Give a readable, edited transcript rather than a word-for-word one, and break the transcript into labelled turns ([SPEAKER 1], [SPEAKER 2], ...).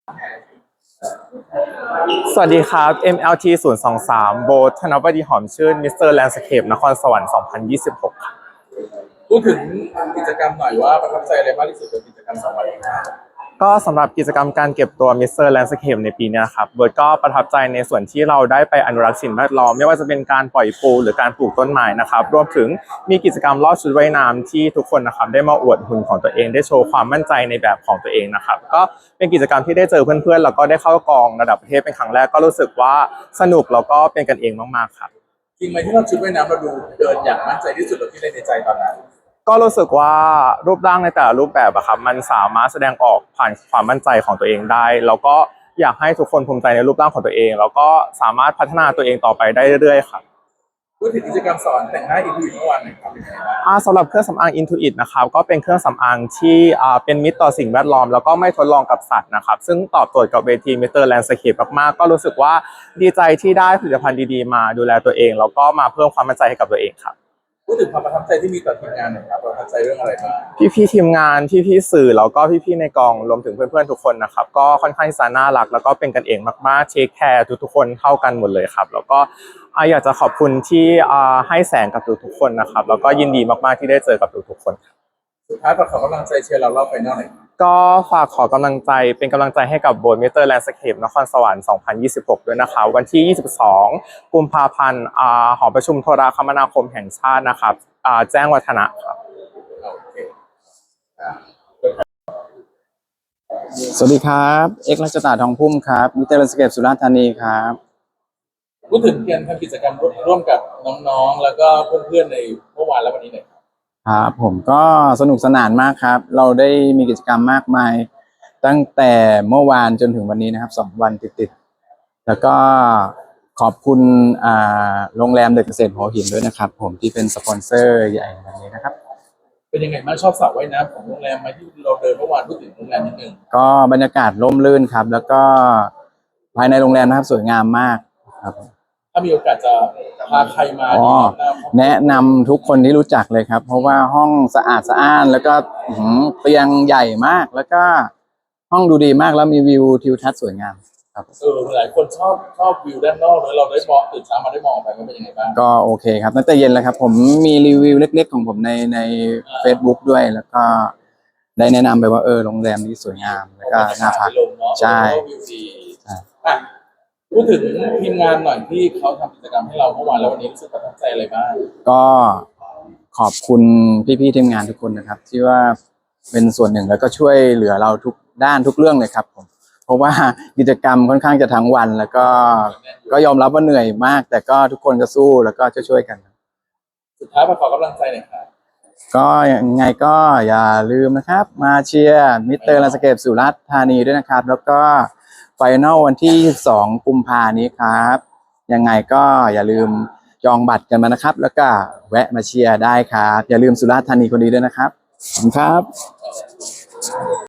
[SPEAKER 1] สวัสดีครับ MLT 023โบทธนบดีหอมชื่นมิสเตอร์แลนด์สเคปนครสวรรค์2026ครับ
[SPEAKER 2] พูดถึงกิจกรรมหน่อยว่าประทับใจอะไรมากที่สุดกับกิจกรรม2 วันนี้
[SPEAKER 1] ก็สำหรับกิจกรรมการเก็บตัวมิสเตอร์แลนด์สเคปในปีนี้ครับโบทก็ประทับใจในส่วนที่เราได้ไปอนุรักษ์สิ่งแวดล้อมไม่ว่าจะเป็นการปล่อยปูหรือการปลูกต้นไม้นะครับรวมถึงมีกิจกรรมลอดชุดว่ายน้ำที่ทุกคนนะครับได้มาอวดหุ่นของตัวเองได้โชว์ความมั่นใจในแบบของตัวเองนะครับก็เป็นกิจกรรมที่ได้เจอเพื่อนๆแล้วก็ได้เข้ากองระดับประเทศเป็นครั้งแรกก็รู้สึกว่าสนุกแล้วก็เป็นกันเองมากๆครับ
[SPEAKER 2] จริงไหมที่เราชุดว่ายน้ำเราดูเดินอย่างมั่นใจที่สุดเราที่ในใจตอนนั้น
[SPEAKER 1] ก็รู้สึกว่ารูปร่างในแต่ละรูปแบบอะครับมันสามารถแสดงออกผ่านความมั่นใจของตัวเองได้แล้วก็อยากให้ทุกคนภูมิใจในรูปร่างของตัวเองแล้วก็สามารถพัฒนาตัวเองต่อไปได้เรื่อยๆครับ
[SPEAKER 2] พูดถึงกิจกรรมสอนแต่งหน้าอีกทีเมื่อวานหน่อยครับเป็นยังไงบ้าง
[SPEAKER 1] สำหรับเครื่องสำอาง Intuit นะครับก็เป็นเครื่องสำอางที่เป็นมิตรต่อสิ่งแวดล้อมแล้วก็ไม่ทดลองกับสัตว์นะครับซึ่งตอบโจทย์กับเวที Mr. Landscape มากๆก็รู้สึกว่าดีใจที่ได้ผลิตภัณฑ์ดีๆมาดูแลตัวเองแล้วก็มาเพิ่มความมั่นใจให้กับตัวเองครับ
[SPEAKER 2] พูดถึงความประทับใจที่มีต่อทีมงานหน่อยครับประทับใจเรื่องอะไรบ้าง
[SPEAKER 1] พี่ๆทีมงานพี่ๆสื่อแล้วก็พี่ๆในกองรวมถึงเพื่อนๆทุกคนนะครับก็ค่อนข้างที่จะน่ารักแล้วก็เป็นกันเองมากๆเทคแคร์ทุกๆคนเท่ากันหมดเลยครับแล้วก็อยากจะขอบคุณที่ให้แสงกับทุกๆคนนะครับแล้วก็ยินดีมากๆที่ได้เจอกับทุกๆคน
[SPEAKER 2] สุดท้ายฝากขอกำลังใจเชียร์เรารอบไฟนอลหน่อย
[SPEAKER 1] ก็ฝากขอกำลังใจเป็นกำลังใจให้กับโบสถ์มิสเตอร์แลนด์สเคปนครสวรรค์2026ด้วยนะครับวันที่22กุมภาพันธ์หอประชุมโทรคมนาคมแห่งชาตินะครับแจ้งวัฒนะครับ
[SPEAKER 2] โอเค
[SPEAKER 3] สวัสดีครับเอกรัชตาทองพุ่มครับมิสเตอร์แลนด์สเคปสุราษฎร์ธานีครับ
[SPEAKER 2] พูดถึงการทำกิจกรรมร่วมกับน้องๆแล้วก็เพื่อนๆในเมื่อวานและวันนี้หน่อย
[SPEAKER 3] ครับผมก็สนุกสนานมากครับเราได้มีกิจกรรมมากมายตั้งแต่เมื่อวานจนถึงวันนี้นะครับ2 วันติดๆแล้วก็ขอบคุณโรงแรมเดอะเกษตรหัวหินด้วยนะครับผมที่เป็นสปอนเซอร์ใหญ่วันนี้นะครับ
[SPEAKER 2] เป็นยังไงบ้างชอบสระว่ายน้ำของโรงแรมไหมที่เราเดินเมื่อวานพูดถึงโรงแรมนิดนึง
[SPEAKER 3] ก็บรรยากาศร่มรื่นครับแล้วก็ภายในโรงแรมนะครับสวยงามมากครับ
[SPEAKER 2] ถ้ามีโอกาสจะพาใครมา
[SPEAKER 3] แนะนำทุกคนที่รู้จักเลยครับเพราะว่าห้องสะอาดสะอ้านแล้วก็เตียงใหญ่มากแล้วก็ห้องดูดีมากแล้วมีวิวทิวทัศน์สวยงามครับ
[SPEAKER 2] หลายคนชอบวิวด้านนอกเลยเราได้มองตื่นเช้ามาได้มองออกไปมันเป็นยังไงบ้าง
[SPEAKER 3] ก็โอเคครับตั้งแต่เย็นแล้วครับผมมีรีวิวเล็กๆของผมในFacebook ด้วยแล้วก็ได้แนะนำไปว่าโรงแรมนี้สวยงามแล้วก็น่าพักใช่
[SPEAKER 2] วิวดีพูดถึงทีมงานหน่อยที่เขาทำกิจกรรมให้เราเมื่อวานแล้ววันนี้รู้สึกประทับใจอะไรบ้าง
[SPEAKER 3] ก็ขอบคุณพี่ๆทีมงานทุกคนนะครับที่ว่าเป็นส่วนหนึ่งแล้วก็ช่วยเหลือเราทุกด้านทุกเรื่องเลยครับผมเพราะว่ากิจกรรมค่อนข้างจะทั้งวันแล้วก็ยอมรับว่าเหนื่อยมากแต่ก็ทุกคนก็สู้แล้วก็ช่วยกัน
[SPEAKER 2] สุดท้ายขอกำลังใจหน่อยครับ
[SPEAKER 3] ก็ยังไงก็อย่าลืมนะครับมาเชียร์มิสเตอร์แลนด์สเคปสุราษฎร์ธานีด้วยนะครับแล้วก็ไฟนอลวันที่22กุมภานี้ครับยังไงก็อย่าลืมจองบัตรกันมานะครับแล้วก็แวะมาเชียร์ได้ครับอย่าลืมสุราษฎร์ธานีคนดีด้วยนะครับขอบคุณครับ